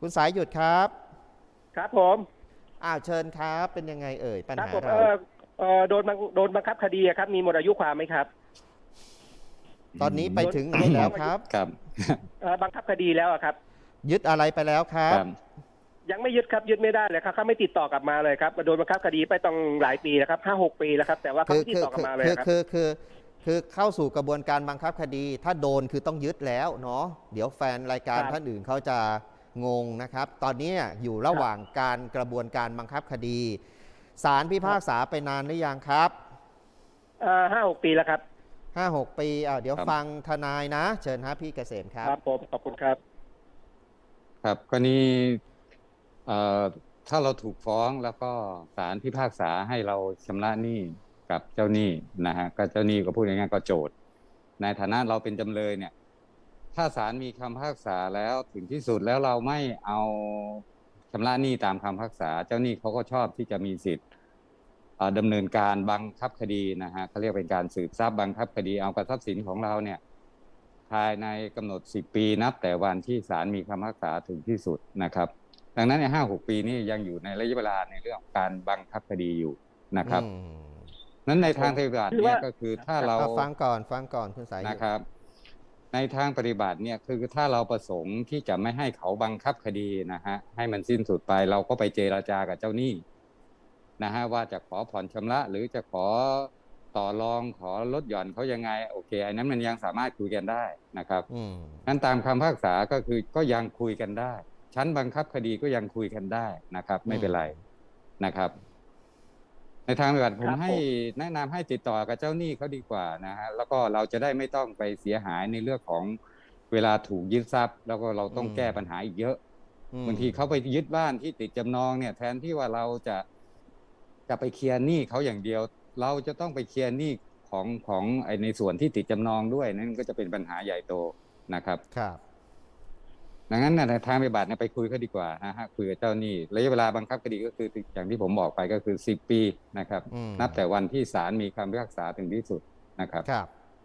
คุณสายหยุดครับครับผมเชิญครับเป็นยังไงเอ่ยปัญครับผมหาเราโดนบังคับคดีครับมีหมดอายุความไหมครับตอนนี้ไปถึงไหนโดนฟ้องอายุแล้วครับครับบังคับคดีแล้วอะครับยึดอะไรไปแล้วครัคบรับยังไม่ยึดครับยึดไม่ได้เลยครับเขาไม่ติดต่อกลับมาเลยครับโดนบังคับคดีไปต้องหลายปีแล้วครับ5-6 ปีแล้วครับแต่ว่าเขาคือไม่ติดต่อกลับมาเลยครับคือเข้าสู่กระบวนการบังคับคดีถ้าโดนคือต้องยึดแล้วเนาะเดี๋ยวแฟนรายการครับท่านอื่นเขาจะงงนะครับตอนนี้อยู่ระหว่างการกระบวนการบังคับคดีศาลพิพากษาไปนานหรือยังครับ 5-6 ปีแล้วครับ 5-6 ปีเดี๋ยวครับฟังทนายนะเชิญฮะพี่เกษมครัคบรับผมขอบคุณครับครับกรณีเอ่อถ้าเราถูกฟ้องแล้วก็ศาลพิพากษาให้เราชำระหนี้กับเจ้าหนี้นะฮะก็เจ้าหนี้ก็พูดง่ายๆก็โจทก์ในฐานะเราเป็นจำเลยเนี่ยถ้าศาลมีคำพิพากษาแล้วถึงที่สุดแล้วเราไม่เอาชำระหนี้ตามคำพิพากษาเจ้าหนี้เขาก็ชอบที่จะมีสิทธิ์ดำเนินการบังคับคดีนะฮะเขาเรียกเป็นการสืบทรัพย์บังคับคดีเอากับทรัพย์สินของเราเนี่ยภายในกำหนด10 ปีนับแต่วันที่ศาลมีคำพิพากษาถึงที่สุดนะครับดังนั้นใน5-6 ปีนี้ยังอยู่ในระยะเวลาในเรื่องของการบังคับคดีอยู่นะครับนั้นในทางปฏิบัติเนี่ยก็คือถ้าเราฟังก่อนคุณสายหยุดนะครับในทางปฏิบัติเนี่ยคือถ้าเราประสงค์ที่จะไม่ให้เขาบังคับคดีนะฮะให้มันสิ้นสุดไปเราก็ไปเจรจากับเจ้าหนี้นะฮะว่าจะขอผ่อนชำระหรือจะขอต่อรองขอลดหย่อนเขายังไงโอเคอันนั้นมันยังสามารถคุยกันได้นะครับนั้นตามคำพิพากษาก็คือก็ยังคุยกันได้ชั้นบังคับคดีก็ยังคุยกันได้นะครับไม่เป็นไรนะครับในทางปฏิบัติผมให้แนะนำให้ติดต่อกับเจ้าหนี้เขาดีกว่านะฮะแล้วก็เราจะได้ไม่ต้องไปเสียหายในเรื่องของเวลาถูกยึดทรัพย์แล้วก็เราต้องแก้ปัญหาอีกเยอะบางทีเขาไปยึดบ้านที่ติดจำนองเนี่ยแทนที่ว่าเราจะไปเคลียร์หนี้เขาอย่างเดียวเราจะต้องไปเคลียร์หนี้ของในส่วนที่ติดจำนองด้วยนั่นก็จะเป็นปัญหาใหญ่โตนะครับครับดังนั้นในทางปฏิบัติไปคุยเขาดีกว่านะฮะคุยกับเจ้าหนี้ระยะเวลาบังคับคดีก็คืออย่างที่ผมบอกไปก็คือ10 ปีนะครับนับแต่วันที่ศาลมีคำพิพากษาถึงที่สุดนะครับครับ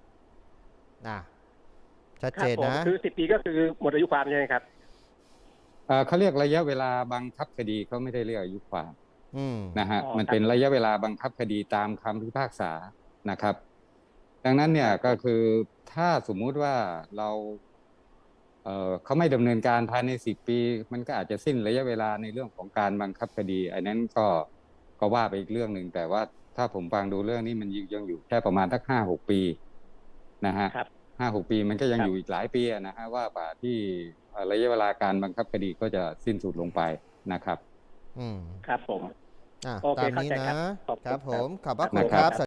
ชัดเจนนะคือ10 ปีก็คือหมดอายุความใช่ไหมครับเขาเรียกระยะเวลาบังคับคดีเขาไม่ได้เรียกอายุความนะฮะมันเป็นระยะเวลาบังคับคดีตามคำพิพากษานะครับดังนั้นเนี่ยก็คือถ้าสมมุติว่าเราเขาไม่ดำเนินการภายใน10 ปีมันก็อาจจะสิ้นระยะเวลาในเรื่องของการบังคับคดีอันนั้นก็ว่าไปอีกเรื่องหนึ่งแต่ว่าถ้าผมฟังดูเรื่องนี้มันยังอยู่แค่ประมาณสัก5-6 ปีนะฮะ5-6 ปีมันก็ยังอยู่อีกหลายปีนะฮะว่าป่าที่ระยะเวลาการบังคับคดีก็จะสิ้นสุดลงไปนะครับครับผมตามนี้นะครับผมขอบพระคุณครับ